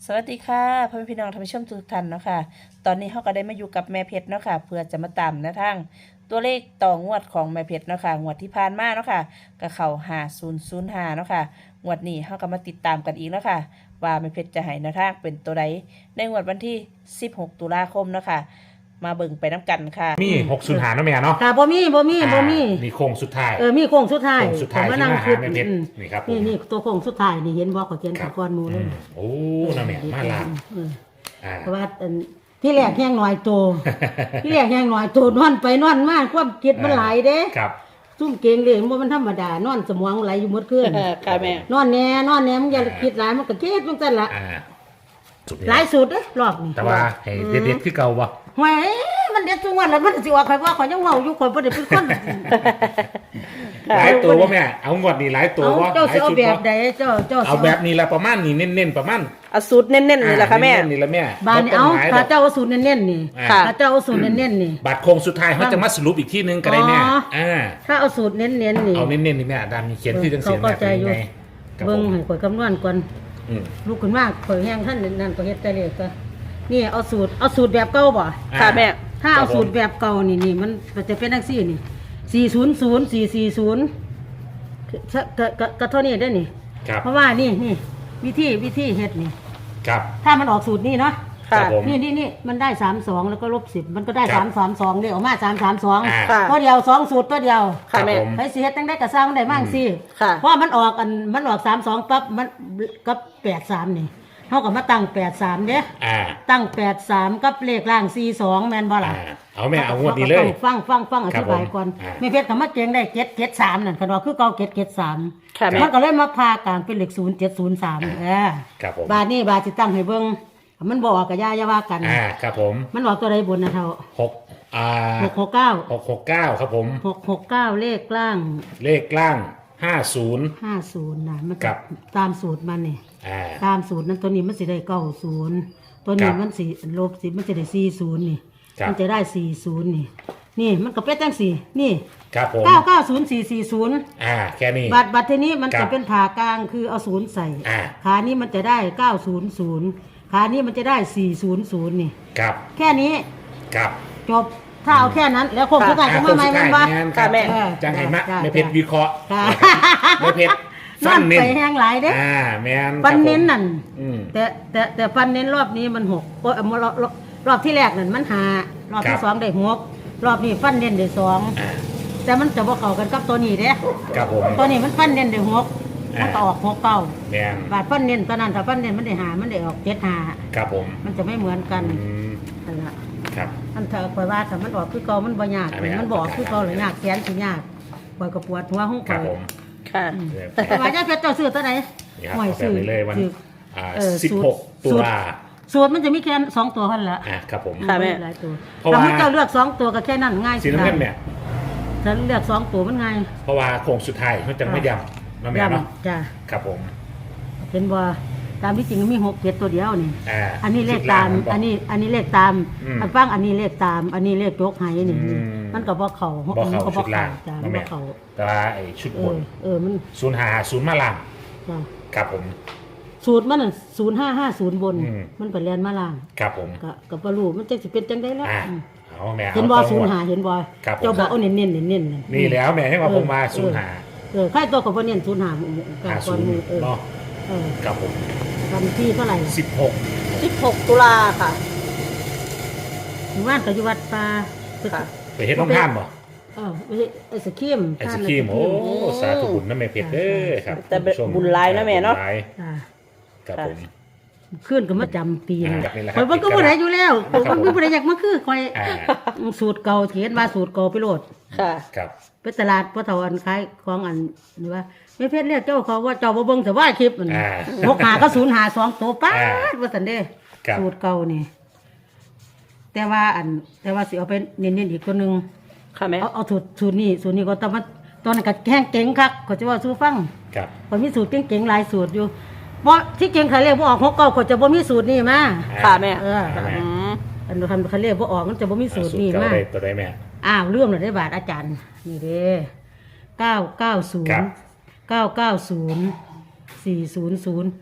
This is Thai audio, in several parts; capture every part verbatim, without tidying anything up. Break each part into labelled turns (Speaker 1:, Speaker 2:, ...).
Speaker 1: สวัสดีค่ะพ่อแม่พี่น้องท่านผู้ชมทุกท่านเนาะค่ะตอนนี้เขาก็ได้มาอยู่กับแม่เพชรเนาะค่ะเพื่อจะมาตามแนวทางตัวเลขต่องวดของแม่เพชรเนาะค่ะงวดที่ผ่านมาเนาะค่ะก็เข้าห้าศูนย์ศูนย์ห้าเนาะค่ะงวดนี้เขาก็มาติดตามกันอีกเนาะค่ะว่าแม่เพชรจะให้แนวทางเป็นตัวใดในงวดวันที่สิบหกตุลาคมเนาะค่ะมาเบิ่งไปน้ำกันค่ะ
Speaker 2: มีหกศูนย์หาเนาะแม่เนาะ
Speaker 3: ค่ะบ่มีบ่มีบ่มี
Speaker 2: นี่โค้งสุดท้าย
Speaker 3: เออมีโค้งสุดท้าย
Speaker 2: โค้งสุดท้าย
Speaker 3: ผมมานั่ง
Speaker 2: ที่
Speaker 3: คิด
Speaker 2: มาหาแม่เพชร
Speaker 3: อืม
Speaker 2: นี่ครับผม
Speaker 3: นี่นี่ตัวโค้งสุดท้ายนี่เห็นบ่เขาเขียน
Speaker 2: ครั
Speaker 3: ตะ
Speaker 2: บ
Speaker 3: กอนหมูเลย
Speaker 2: อืมโอ้นะแม่มาลา
Speaker 3: เออ
Speaker 2: อ่า
Speaker 3: เพราะว่าอันที่แรกแห้งหน่อยโต ที่แรกแห้งหน่อยโตนอนไปนอนมาความคิดมันหลายเด้
Speaker 2: ครับ
Speaker 3: ซุ่มเก่งเลยบ่มันธรรมดานอนสมองไหลอยู่หมดคืน
Speaker 1: ค่ะแม่
Speaker 3: นอนแน่นอนแน่มึงอย่าคิดหลายมันก็คิดจังซั่นล่ะ
Speaker 2: อ่าสุด
Speaker 3: หลายสุดเด้รอบนี้
Speaker 2: แต่ว่าให้เด็ดๆคือเก่าบ่
Speaker 3: หวยมันเด็ดทุกวันแล้วมันสิว่าใครว่าข่อยยังเว้าอยู่ข่อยบ่ได้เป็นคน
Speaker 2: หลายตัวบ่แม่เอางวดนี้หลายตัว
Speaker 3: เอา
Speaker 2: บ่
Speaker 3: เจ้า
Speaker 2: หลา
Speaker 3: สิ
Speaker 2: ย
Speaker 3: เอา
Speaker 2: ชุด
Speaker 3: แบ
Speaker 2: บ่
Speaker 3: บใดเจ้าเจ้าสิ
Speaker 2: เอาแบบนี้ละประมาณนี้เน้นๆประมาณ
Speaker 1: เอาสูตรเน้นๆเลยล่ะค่ะแม่
Speaker 2: เน้นๆนี่ละแม่
Speaker 3: บานนี่เอา
Speaker 2: บ่ต้งหลยด
Speaker 3: ถ้า
Speaker 2: อก
Speaker 3: เจ้าเอาสูตรเน้นๆนี่
Speaker 1: ค่ะ
Speaker 3: ถ้าเจ้าเอาสูตรเน้นๆนี่
Speaker 2: บัตรโค้งสุดท้ายเขาจะมาสรุปอีกที่นึงก็ได้แม่
Speaker 3: อ๋อ
Speaker 2: อ่า
Speaker 3: ถ้าเอาสูตรเน้นๆนี่
Speaker 2: เอาเน้นๆนี่แม่ดามมีเขียนที่จังเสียง
Speaker 3: เขา
Speaker 2: แม่
Speaker 3: เข้าใจ
Speaker 2: เป็น
Speaker 3: อยู่
Speaker 2: ยังไงครับ
Speaker 3: เบิ่ง
Speaker 2: ผม
Speaker 3: ให้ข่อยคำนวณก่อน
Speaker 2: อืม
Speaker 3: ลูกขึ้นมาข่อยแห้งท่านนั่นก็เฮ็ดแต่เลขก็นี่เอาสูตรเอาสูตรแบบเก่าบ่
Speaker 1: ค่ะแม่
Speaker 3: ถ้าเอาสูตรแบบเก่านี่นี่มันมันจะเป็นจังซี่นี่สี่ศูนย์ศูนย์ สี่สี่ศูนย์ก็ก็ก็ก็เท่านี้ได้อนี่
Speaker 2: ครับ
Speaker 3: เพราะว่านี่นี่วิธีวิธีเฮ็ดนี่
Speaker 2: ครับ
Speaker 3: ถ้ามันออกสูตรนี่เนาะ
Speaker 2: ครั
Speaker 1: ค่ะ
Speaker 2: บผม
Speaker 3: นี่นี่นี่มันได้สามสองแล้วก็ลบสิบมันก็ได้
Speaker 2: ครั
Speaker 3: สา
Speaker 2: บ
Speaker 3: มสามสองเลยออกมาสามสามสอง
Speaker 2: อ่า
Speaker 1: ค่ะ
Speaker 3: ตัวเดียวสองสูตรตัวเดียว
Speaker 1: ค่ะแม่
Speaker 2: ผม
Speaker 3: ไผสิเฮ็ดตั้งได้กระซ้างได้มั่งสิ
Speaker 1: ค่ะ
Speaker 3: เพราะมันออกอันมันออกสามสองปั๊บมันกับแปดสามนี่เท่ากับมาตั้งแปดสามเด้
Speaker 2: อ่า
Speaker 3: ตั้งแปดสามกับเลขล่างสี่สองแม่นบ่ล่ะ
Speaker 2: อ่าเอาแม่เอางวดนี้เลย
Speaker 3: ฟังฟังฟังอ
Speaker 2: ครับ
Speaker 3: ธิบายก่อน
Speaker 2: ผมอ่า
Speaker 3: แม่เพชรกับมาเจงได้เจ็ดเจ็ดสามนั่นคันว่าคือเก่าเจ็ดเจ็ดสาม
Speaker 1: ค่ะแม่
Speaker 3: มันก็เลยมาพากลางเป็นเลขศูนย์เจ็ดศูนย์สามเออ
Speaker 2: ครับผม
Speaker 3: บาทนี้บาทสิตั้งให้เบิ่งมันบอกกับย่าอย่าว่ากัน
Speaker 2: อ่าครับผม
Speaker 3: มันออกตัวใดบนนะเท่า
Speaker 2: หกอ่า
Speaker 3: หกหกเก้า
Speaker 2: หกหกเก้าครับผม
Speaker 3: หกหกเก้าเลขล่าง
Speaker 2: เลขล่างห้าศูนย์
Speaker 3: ห้าศูนย์นะมัน
Speaker 2: ครับ
Speaker 3: ตามสูตรมันนี่
Speaker 2: อ่า
Speaker 3: ตามสูตรนั้นตัวนี้มันสิได้เก้าศูนย์ตัวนี้
Speaker 2: ครับ
Speaker 3: มันสิลบสิมันจะได้สี่ศูนย์นี่
Speaker 2: ครับ
Speaker 3: มันจะได้สี่ศูนย์นี่ นี่มันก็เป็นจังสี่นี่
Speaker 2: ครับผม
Speaker 3: เก้าเก้าศูนย์สี่สี่ศูนย์
Speaker 2: อ่าแค่นี้
Speaker 3: บัตรบัตรทีนี้มัน
Speaker 2: ครั
Speaker 3: จะ
Speaker 2: บ
Speaker 3: เป็นผ่ากลางคือเอาศูนย์ใส่
Speaker 2: อ่า
Speaker 3: ขานี้มันจะได้เก้าศูนย์ศูนย์ขานี้มันจะได้สี่ศูนย์ศูนย์นี่
Speaker 2: ครับ
Speaker 3: แค่นี้
Speaker 2: ครับ
Speaker 3: จบถ้าเอาแค่นั้น แล้วคง
Speaker 1: ค่ะ
Speaker 3: สุดท้ายจะ
Speaker 2: อ่า
Speaker 3: มาใหม่
Speaker 2: โค้
Speaker 3: มั
Speaker 2: ง
Speaker 3: น
Speaker 2: สุด
Speaker 3: วะ
Speaker 2: ท้ายงานค
Speaker 1: ค่ะ
Speaker 2: รับ
Speaker 1: แม่
Speaker 2: จังไห้มะ
Speaker 3: จ้ะ
Speaker 2: ไม่เพชรวิเคราะห์
Speaker 3: ค่ะ
Speaker 2: ไม่เพชร
Speaker 3: นั่
Speaker 2: ฟั
Speaker 3: น
Speaker 2: นเน้
Speaker 3: ไป
Speaker 2: น
Speaker 3: แห้งหลายเด้
Speaker 2: อ่าแมน
Speaker 3: ปันเน้น
Speaker 2: ครับผม
Speaker 3: นั่น
Speaker 2: อืม
Speaker 3: แต่แต่แต่ปันเน้นรอบนี้มันหกโอ้ยเอามารอบรอบรอบที่แรกนั่นมันหารอบ
Speaker 2: ครั
Speaker 3: ที่
Speaker 2: บ
Speaker 3: สองได้หกรอบนี้ฟันเน้นได้สอง
Speaker 2: อ่า
Speaker 3: แต่มันจะบ่เข้ากันกับตัวนี้เด้
Speaker 2: ครับผม
Speaker 3: ตัวนี้มันฟันเน้นได้หก
Speaker 2: อ่ามั
Speaker 3: มันก็ออกหกเก้า
Speaker 2: แมน
Speaker 3: บาทฟันเน้นตอนนั้นถ้าฟันเน้นมันได้หามันได้ออกเจ็ดหา
Speaker 2: ครับผม
Speaker 3: มันจะไม่เหมือนกัน
Speaker 2: อืม
Speaker 3: นั่นล่ะ
Speaker 2: ครับ
Speaker 3: มันถ้าข่อยว่าถ้ามันออกคือเก่ามันบ่ยาก
Speaker 2: อ่าไม่ยาก
Speaker 3: มันบ่ออกคือเก่าเลยยากแขนสิยากข่อยก็ปวดหัวของ
Speaker 2: ครั
Speaker 3: ข่
Speaker 2: บ
Speaker 3: อย
Speaker 2: ผม
Speaker 1: ค่ะ
Speaker 3: อืม
Speaker 2: เออ
Speaker 3: แต่ว่าย่าเพชรเจ้าซื้อตัวไหน
Speaker 2: นี่ครับ
Speaker 3: ห่วย
Speaker 2: เอาแบบนี้เลยวัน
Speaker 3: ซื้อ
Speaker 2: อ่า
Speaker 3: เออ
Speaker 2: สิบ
Speaker 3: สูตร
Speaker 2: หกตุ
Speaker 3: สูตร
Speaker 2: ลา
Speaker 3: สูตรมันจะมีแค่สองตัวเท่านั้นละ
Speaker 2: อ่าครับผม
Speaker 1: ค่ะแม่
Speaker 3: หลายตัว
Speaker 2: เพราะ
Speaker 3: ถ้า
Speaker 2: ว่า
Speaker 3: มันเจ้าเลือกสองตัวก็แค่นั้นง่าย
Speaker 2: สีน้ำเงินแม่
Speaker 3: ถ้าเลือกสองตัวมันง่าย
Speaker 2: เพราะว่าโค้งสุดท้ายมันจะไม่ยำมาแม่เนาะ
Speaker 3: จ้ะ
Speaker 2: ครับผม
Speaker 3: เป็นว่าตามที่จริงมันมีหกเจ็ดตัวเดียวนี่
Speaker 2: อ่า
Speaker 3: อันนี้เลข
Speaker 2: ชุด
Speaker 3: ตาม
Speaker 2: งบอก
Speaker 3: อันนี้ อันนี้เลขตาม
Speaker 2: อืม
Speaker 3: อันฟังอันนี้เลขตาม อันนี้เลขยกไห้นี่
Speaker 2: อืม
Speaker 3: มันก็บ่เข้า
Speaker 2: บ่เข้า
Speaker 3: ก็
Speaker 2: ชุดล่าง
Speaker 3: จ้ะ
Speaker 2: มา
Speaker 3: มัน
Speaker 2: แม่
Speaker 3: บ่เข้า
Speaker 2: แต่ว่าไอ้ชุด
Speaker 3: เอบ
Speaker 2: น
Speaker 3: อเออมัน
Speaker 2: ศูนย์หาศูนย์มาล่าง
Speaker 3: จ้ะ
Speaker 2: ครับผม
Speaker 3: สูตรมันศูนย์ห้าห้าศูนย์บน
Speaker 2: อืม
Speaker 3: มันไปเรียนมาล่าง
Speaker 2: ครับผม
Speaker 3: ก็ก็บ่รู้มันจังสิเป็นจังได๋แล้ว
Speaker 2: อ่า
Speaker 3: อืม
Speaker 2: เอาแม่
Speaker 3: เห็น
Speaker 2: เอา
Speaker 3: บ่
Speaker 2: ต่อ
Speaker 3: ศูนย์
Speaker 2: งวด
Speaker 3: หาเห็นบ่
Speaker 2: ครับผม
Speaker 3: เจ้าบอกเอาเน้นๆเน้นๆเน้น
Speaker 2: นี่แล้วแม่ให้ว่าผมมาศูนย์หา
Speaker 3: เออใครตัวก็บ่เน้นศูนย์หากั
Speaker 2: หา
Speaker 3: ก่
Speaker 2: ศู
Speaker 3: อน
Speaker 2: นย์
Speaker 3: มือเออ
Speaker 2: เนาะ
Speaker 3: เออ
Speaker 2: ครับผม
Speaker 3: วันที่เท่าไหร่
Speaker 2: สิบหก
Speaker 1: สิบหกตุลาค่ะ
Speaker 3: หมู่บ้านก็อยู่วัดป่า
Speaker 1: ค่ะ
Speaker 2: ไปเฮ็ดน้องท่านบ่
Speaker 3: เออไม่ใช่ไอ้สกีม
Speaker 2: ไอศครีมโอ้สาธุบุญนะแม่เพชรเด้อครับ
Speaker 1: แต่
Speaker 2: คุณผู้ชม
Speaker 1: บุญหลายนะแม่เนาะ
Speaker 2: บุญหลาย
Speaker 3: จ้า
Speaker 2: ครับผม
Speaker 3: ขึ้นก็มาจำปี
Speaker 2: อ่า
Speaker 3: นี่
Speaker 2: แบบนี้แหละครับ
Speaker 3: ข่อยมันก็บ่ได้อยู่แล้ว
Speaker 2: ครับ
Speaker 3: มันก็บ่ได้อยากมาคือข่อย
Speaker 2: อ่า
Speaker 3: สูตรเก่าเขียนว่าสูตรเก่าไปโลด
Speaker 1: ค่ะ
Speaker 2: ครับ
Speaker 3: ไปตลาดพ่อเฒ่าอันขายของอันนี่ว่าไม่เพชรเรียกเจ้าเขาว่าเจ้าบ่เบิ่งแต่ว่าคลิปมัน
Speaker 2: อ่า
Speaker 3: หกหาก็ศูนย์หาสองตัวป๊า
Speaker 2: อ่า
Speaker 3: ดว่าซั่นเด้
Speaker 2: ครับ
Speaker 3: สูตรเก่านี่ แต่ว่าอัน แต่ว่าสิเอาไปเน้นๆอีกตัวหนึง
Speaker 1: ค่ะแม่
Speaker 3: เอาเอาสูตรสูตรนี้สูตรนี้ก็ต้องมาตอนนั้นก็แห้งเก่งคักก็จะว่าสู้ฟัง
Speaker 2: ครับ
Speaker 3: ก็มีสูตรเก่งๆหลายสูตรอยู่บ่ที่เก่งเขาเรียกบ่ออกหกเก้าก็จะบ่มีสูตรนี้มา
Speaker 1: ค่ะแม่
Speaker 3: เออ
Speaker 2: ครับแม่
Speaker 1: อืม
Speaker 3: อันคันเขาเรียกบ่ออกมันจะบ่มีสูตรนี้
Speaker 2: เก่า
Speaker 3: มา
Speaker 2: ได้ตัวได้แม่
Speaker 3: อ้าวเรื่องเลยได้บาทอาจารย์ นี่เด้เก้าเก้าศูน
Speaker 2: ครั
Speaker 3: ย์
Speaker 2: บ
Speaker 3: เก้าเก้าศูนย์สี่ศูนย์ศูนย์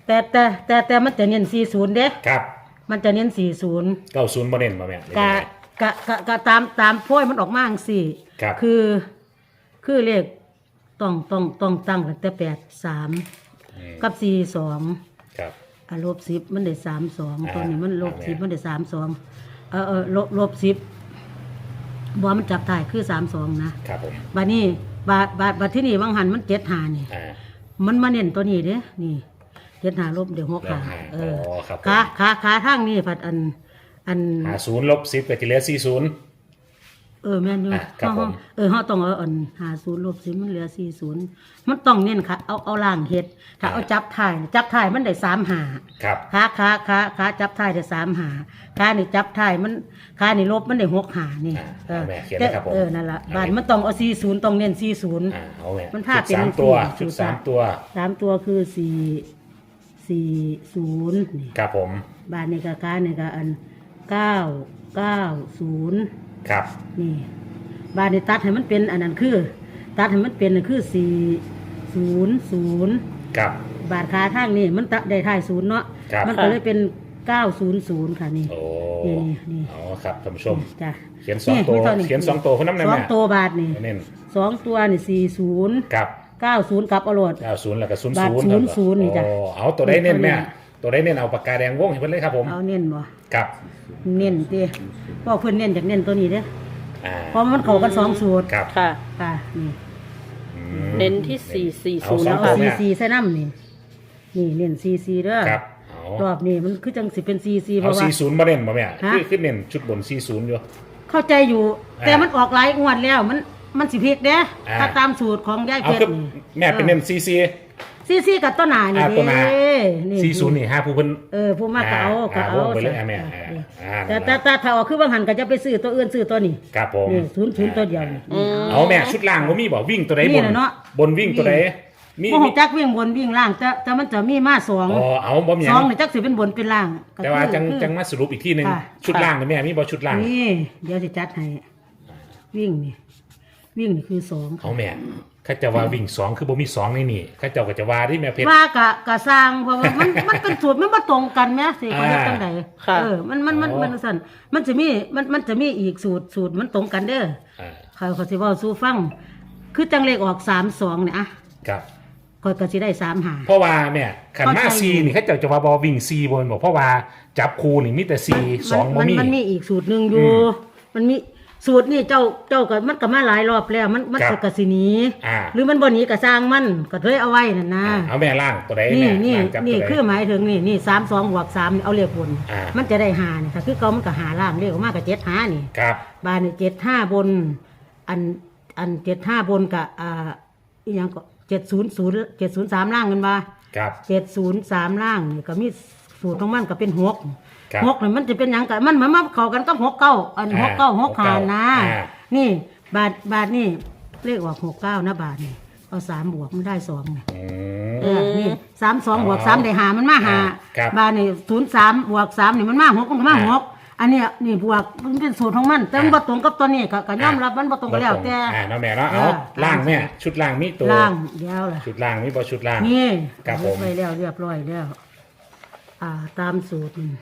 Speaker 3: แต่แต่แต่แต่มันจะเน้นสี่ศูนย์เด้
Speaker 2: ครับ
Speaker 3: มันจะเน้นสี่ศูนย์
Speaker 2: เก้าศูนย์บ่เน้นบ่แม่หรือก
Speaker 3: ะ
Speaker 2: ยังไง
Speaker 3: กะกะกะตามตามโพยมันออกมาจังซี่
Speaker 2: ครับ
Speaker 3: คือ คือเลขต้องต้องต้องตั้งตั้งแต่แปดสาม
Speaker 2: อืม
Speaker 3: กับสี่สอง
Speaker 2: ครับ
Speaker 3: อ่ะลบสิบมันได้สามสอง
Speaker 2: อ่า
Speaker 3: ตัวนี้มันลบ
Speaker 2: เอาแม่
Speaker 3: สิบมันได้สามสองเออเออลบลบสิบบ่มันจับถ่ายคือสามสองนะครับ
Speaker 2: ผม
Speaker 3: บาดนี้บาดบาดบาดที่นี่บางหันมันเจ็ดหานี่
Speaker 2: อ่า
Speaker 3: มันมาเน้นตัวนี้เด้นี่เจ็ดหาลบเดี๋ยวหกหา
Speaker 2: ลบหา
Speaker 3: เออ
Speaker 2: อ๋อครับผม
Speaker 3: ขาขาขาทางนี่ผัดอัน อัน
Speaker 2: หาศูนย์ลบสิบก็จะเหลือสี่ศูนย์
Speaker 3: เออแม่นอยู่
Speaker 2: อ่ะครับ
Speaker 3: เฮา
Speaker 2: ผม
Speaker 3: เออเฮาต้องเอาอันหาศูนย์ลบสิมันเหลือสี่ศูนย์มันต้องเน้นค่ะเอาเอาล่างเฮ็ดถ้าเอาจับถ่ายจับถ่ายมันได้สามหา
Speaker 2: ครับ
Speaker 3: ขาขาขาขาจับท้ายได้สามหาขานี่จับท้ายมันขานี่ลบมันได้หกหานี่
Speaker 2: อ่า
Speaker 3: เออ
Speaker 2: เอาแม่เขียนเลยครับผม
Speaker 3: เออนั่นละบานมันต้องเอาสี่ศูนย์ต้องเน้นสี่ศูนย์
Speaker 2: อ่าเอาแม่
Speaker 3: มันพา
Speaker 2: ชุด
Speaker 3: เป็น
Speaker 2: สามตัว
Speaker 3: สี่
Speaker 2: ชุด
Speaker 3: ชุด
Speaker 2: สามตัว
Speaker 3: สามตัวคือสี่สี่ศูนย์นี่
Speaker 2: ครับผม
Speaker 3: บานนี่ก็ขานี่ก็อันเก้าเก้าศูนย์
Speaker 2: ครับ
Speaker 3: นี่บานนี่ตัดให้มันเป็นอันนั้นคือ ตัดให้มันเป็นอันคือสี่ศูนย์ศูนย์
Speaker 2: ครับ
Speaker 3: บาทขาทางนี่มันตัดได้ท้ายศูนย์เนาะ
Speaker 2: ครับ
Speaker 3: มันก็เลยเป็นเก้าศูนย์ศูนย์ค่ะนี่
Speaker 2: โอ้
Speaker 3: นี่นี่
Speaker 2: เอาครับท่านผู้ชม
Speaker 3: จ้ะ
Speaker 2: เขียนสองตัว
Speaker 3: มีท่า
Speaker 2: เขียนสองตัวเพิ่นนำได้
Speaker 3: ส
Speaker 2: ไห
Speaker 3: อ
Speaker 2: ม
Speaker 3: งตัวบาทนี่
Speaker 2: เน้น
Speaker 3: สองตัวนี่สี่ศูนย์
Speaker 2: ครับ
Speaker 3: เก้าศูนย์กับเอาโรด
Speaker 2: เก้าศูนย์แล้วก็ศูนย์
Speaker 3: บาท
Speaker 2: ศูนย์
Speaker 3: ศูนย์นี่จ้ะ
Speaker 2: โอ้เอาตัวได้เน้นแม่
Speaker 3: ตัวนี้
Speaker 2: ตัวได้เน้นเอาปากกาแดงวงให้เพิ่นเลยครับผม
Speaker 3: เอาเน้นบ่
Speaker 2: ครับ
Speaker 3: เน้นติเพราะเพิ่นเน้นจากเน้นตัวนี้เด้อ
Speaker 2: อ่า
Speaker 3: เพราะมันเข้ากันสองสูตร
Speaker 2: ครับ
Speaker 1: ค่ะ
Speaker 3: ค่ะนี่
Speaker 2: อืม
Speaker 1: เน้นที่สี่สี่
Speaker 2: เอา
Speaker 1: ศูนย์
Speaker 2: สอ
Speaker 1: แล้
Speaker 2: ง
Speaker 1: ว
Speaker 2: ตัว
Speaker 1: ค่ะ
Speaker 2: เนี่
Speaker 3: ซี
Speaker 2: ย
Speaker 3: ซีใส่น้ำนี่นี่เน้นซีซีเด้อ
Speaker 2: ครับเอา
Speaker 3: รอบนี้มันคือจังสิเป็นซีซีเพ
Speaker 2: เอา
Speaker 3: ราะว่า
Speaker 2: สี่ศูนย์บ่เน้นบ่แม่
Speaker 3: ฮะ
Speaker 2: คือคือเน้นชุดบนสี่ศูนย์อยู่
Speaker 3: เข้าใจอยู่
Speaker 2: อ่า
Speaker 3: แต่มันออกหลายงวดแล้วมันมันสิผิดเด้
Speaker 2: อ่า
Speaker 3: ถ้าตามสูตรของยาย
Speaker 2: เอา
Speaker 3: เพช
Speaker 2: คือ
Speaker 3: รนี่
Speaker 2: แม่เป็นเน้นซีซี
Speaker 3: ซีซีกับต้นหนานี่
Speaker 2: อ่าตัวหน้า
Speaker 3: เด้นี่
Speaker 2: สี่ศูนย์นี่ห้าผู้เพิ่น
Speaker 3: เออผู้มากก็เอาก็
Speaker 2: อ่า
Speaker 3: เอา
Speaker 2: วงไปเลยอ่ะแม่
Speaker 3: จ้ะ
Speaker 2: อ่าอ่า
Speaker 3: แต่
Speaker 2: นั่น
Speaker 3: แต่
Speaker 2: ล่ะ
Speaker 3: แต่ถ้าเอาคือบางหันก็จะไปซื้อตัวอื่นซื้อตัวนี้
Speaker 2: ครับผม
Speaker 3: นี่ศูนย์ศูนย์ตัวเดียวนี่
Speaker 1: อืม
Speaker 2: เอาแม่ชุดล่างบ่มีบ่วิ่งตัวใด
Speaker 3: มี
Speaker 2: บน
Speaker 3: น่ะเนาะ
Speaker 2: บนวิ่งตัวใดมี
Speaker 3: พวก
Speaker 2: มี
Speaker 3: จักวิ่งบนวิ่งล่างแต่แต่มันจะมีมาสอง
Speaker 2: อ๋อเอาบ่มีห
Speaker 3: ส
Speaker 2: ยั
Speaker 3: อง
Speaker 2: ง
Speaker 3: นี่จักสิเป็นบนเป็นล่างก็
Speaker 2: แต่ว่า
Speaker 3: คือ
Speaker 2: จัง
Speaker 3: คือ
Speaker 2: จังมาสรุปอีกที่หนึง
Speaker 3: ค่ะ
Speaker 2: ชุดล่างนี่แม่มีบ่ชุดล่าง
Speaker 3: นี่เดี๋ยวจะจัดให้วิ่งนี่วิ่งนี่คือสองค่ะ
Speaker 2: เอาแม่ข้าเจะว่าวิ่งสองคือบ่มีสองในนี่ข้าเจ้าก็จะว่าที่แม่เพชร
Speaker 3: ว่ากะกะสร้างเพราะว่ามัน มันเป็นสูตรมันบ่ตรงกันแหมสิเขาเฮ็ด
Speaker 2: อ่า
Speaker 3: จังได
Speaker 1: ค่ะ
Speaker 3: เออมันมันมัน
Speaker 2: อ๋อ
Speaker 3: มันสั่นมันจะมีมันมันจะมีอีกสูตรสูตรมันตรงกันเด้อ
Speaker 2: อ่า
Speaker 3: เขาเขาสิเว้าสู่ฟัง คือจังเลขออกสามสองเนี่ยอะ
Speaker 2: ครับ
Speaker 3: ก็ก็สิได้สามหา
Speaker 2: เพราะว่าแม่ขัน
Speaker 3: เข้า
Speaker 2: มา
Speaker 3: ใจ
Speaker 2: ซีนี่ข้าเจ้าจะว่าบ่วิ่งซีบนบอกเพราะว่าจับคูนี่มีแต่ซีสองบ่
Speaker 3: มัน
Speaker 2: มี
Speaker 3: มันมีอีกสูตรหนึ่งอยู่
Speaker 2: อืม
Speaker 3: มันมีสูตรนี่เจ้าเจ้าก็มันก็มาหลายรอบแล้ว มันมัน
Speaker 2: ครับ
Speaker 3: ก็สิหนี
Speaker 2: อ่า
Speaker 3: หรือมันบ่หนีก็สร้างมันก็เลยเอาไว้นั่นนะ
Speaker 2: อ่าเอาแม่ล่างตัวใด
Speaker 3: นี่
Speaker 2: แม่
Speaker 3: นี่
Speaker 2: ล่างจับ
Speaker 3: นี่
Speaker 2: ตัวใด
Speaker 3: คือหมายถึงนี่นี่สามสองบวกสามนี่เอาเลขบน
Speaker 2: อ่ามั
Speaker 3: มันจะได้หานี่ค่ะคือเก่ามันก็หาล่างเลขออกมาก็เจ็ดหานี่
Speaker 2: ครับ
Speaker 3: บานนี่เจ็ดห้าบน อันอันเจ็ดห้าบนกับอ่าอีหยังก็เจ็ดศูนย์ศูนย์เจ็ดศูนย์สามล่างกันบ่
Speaker 2: ครับ
Speaker 3: เจ็ดศูนย์สามล่างนี่ก็มีสูตรของมันก็เป็นหก
Speaker 2: ครับ
Speaker 3: หกนี่มันจะเป็นหยังกันมันเหมือนมาเข้ากันกับหกเก้าอัน
Speaker 2: อ่า
Speaker 3: หกเก้าหกหานะ
Speaker 2: อ่า
Speaker 3: นี่บาทบาทนี่เลขออกหกเก้านะบาทนี่เอาสามบวกมันได้สองนี่
Speaker 2: อื
Speaker 3: เอ
Speaker 2: ม
Speaker 3: อนี่สามสอง
Speaker 2: อ๋อบ
Speaker 3: วกสามได้หามันมาหา
Speaker 2: ครับ
Speaker 3: บาทนี่ศูนย์สามบวกสามนี่มันมาหกมันก็มา
Speaker 2: อ่า
Speaker 3: หกอันเนี้ยนี่บวกมันเป็นสูตรของมันแต่มันบ่ตรงกับตัวนี้ก็ก็ยอมรับมันบ่ตรงกันแล้วแต่
Speaker 2: อ่าเนาะแม่เนาะเอา
Speaker 3: เออ
Speaker 2: ล่างแม่ชุดล่างมีตัว
Speaker 3: ล่างเดียวล่ะ
Speaker 2: ชุดล่างมีบ่ชุดล่าง
Speaker 3: นี่
Speaker 2: ครับผม
Speaker 3: ไว้แล้วเรียบร้อยแล้ว อ่า ตามสูตรนี่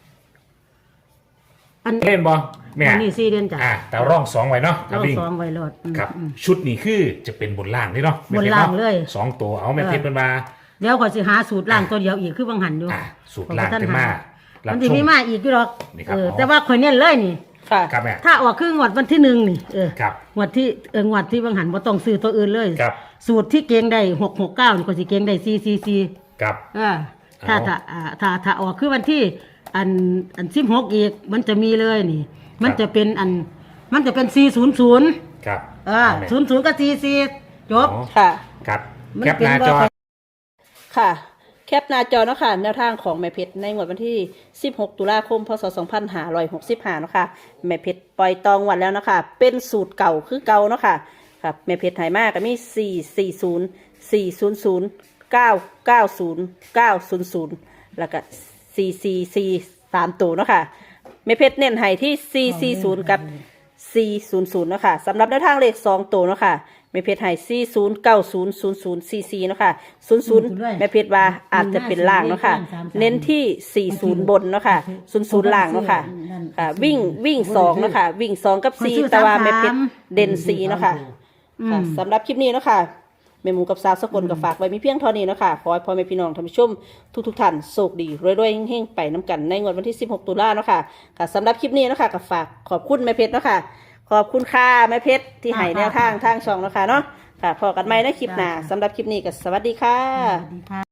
Speaker 3: อัน
Speaker 2: เล่นบ่แม่
Speaker 3: อันนี้สี่เดือนจ้ะ
Speaker 2: อ่าแต่ร่องสองไว้เนาะ
Speaker 3: เรา
Speaker 2: วิ่ง
Speaker 3: สองไว้รอดอืม
Speaker 2: ครับ
Speaker 3: อืม
Speaker 2: ชุดนี้คือจะเป็นบนล่างนี่เนาะแม่
Speaker 3: บน
Speaker 2: พชร
Speaker 3: ล่าง
Speaker 2: นะ
Speaker 3: เลย
Speaker 2: สองตัวเอาแม่เพชรเป็นมา
Speaker 3: เดี๋ยวก็สิหาสูตรล่างตัวเดียวอีกคือบังหันอยู่
Speaker 2: อ่าสูตรล่างจะมารับ
Speaker 3: มัน
Speaker 2: ช
Speaker 3: จะ
Speaker 2: ม
Speaker 3: มีมาอีกอยู่หรอก
Speaker 2: นี่ครับ
Speaker 3: เออ
Speaker 2: อ๋อ
Speaker 3: แต่ว่าข่อยเน้นเลยนี่
Speaker 1: ค่ะ
Speaker 2: ครับแม่
Speaker 3: ถ้าออกคืองวดวันที่หนึ่งนี่เออ
Speaker 2: ครับ
Speaker 3: งวดที่เอองวดที่บังหันบ่ต้องซื้อตัวอื่นเลย
Speaker 2: ครับ
Speaker 3: สูตรที่เกงได้หกหกเก้านี่ก็สิเกงได้สี่สี่สี่
Speaker 2: ครับ
Speaker 3: เออถ้า
Speaker 2: เอา
Speaker 3: ถ้าอ่าถ้าถ้าออกคือวันที่อันอันสิบหกอีกมันจะมีเลยนี่ มันจะเป็นอันมันจะเป็นสี่ศูนย์ศูนย์
Speaker 2: ครับ
Speaker 3: เออ
Speaker 2: แม่
Speaker 3: ศูนย์ศูนย์กับสี่สี่จบ
Speaker 2: อ๋อ
Speaker 1: ค่ะ
Speaker 2: ครับ
Speaker 3: มัน
Speaker 2: แคป
Speaker 3: เป็น
Speaker 2: หน้า
Speaker 3: ว่า
Speaker 2: จอ
Speaker 1: ค่ะ แคปหน้าจอเนาะค่ะแนวทางของแม่เพชรในงวดวันที่ สิบหก ตุลาคม พศ สองพันห้าร้อยหกสิบห้าเนาะค่ะแม่เพชรปล่อยตองวันแล้วเนาะค่ะเป็นสูตรเก่าคือเก่าเนาะค่ะครับแม่เพชรไหมากก็มี สี่ สี่ ศูนย์ สี่ ศูนย์ ศูนย์ เก้า เก้า ศูนย์ เก้า ศูนย์ ศูนย์ แล้วก็ สี่ สี่ สี่ สามตัวเนาะค่ะแม่เพชรเน้นให้ที่ สี่ สี่ ศูนย์ กับ สี่ ศูนย์ ศูนย์เนาะค่ะสำหรับแนวทางเลขสองตัวเนาะค่ะแม่เพชรให้สี่ศูนย์เก้าศูนย์ศูนย์ศูนย์สี่สี่เนาะค่ะศูนย์ศูนย์แม่เพชรว่าอาจจะเป็นล่างเนาะค่ะเน้นที่สี่ศูนย์บนเนาะค่ะศูนย์ศูนย์ล่างเนาะค่ะค่ะวิ่งวิ่งสองเนาะค่ะวิ่งสองกับสี่แต่ว่าแม่เพชรเด่นสี่เนาะค่ะค่ะสำหรับคลิปนี้เนาะค่ะแม่หมูกับสาวสกลกับฝากไว้มีเพียงเท่านี้เนาะค่ะขอให้พ่อแม่พี่น้องท่านผู้ชมทุกๆท่านโชคดีรวยๆเฮงๆไปน้ำกันในงวดวันที่สิบหกตุลาเนาะค่ะค่ะสำหรับคลิปนี้เนาะค่ะกับฝากขอบคุณแม่เพชรเนาะค่ะขอบคุณค่ะแม่เพชรที่ให้แนวทางทางช่องเนาะค่ะเนาะค่ะพอกันใหม่ในคลิปหน้าสำหรับคลิปนี้ก็สวัสดีค่ะ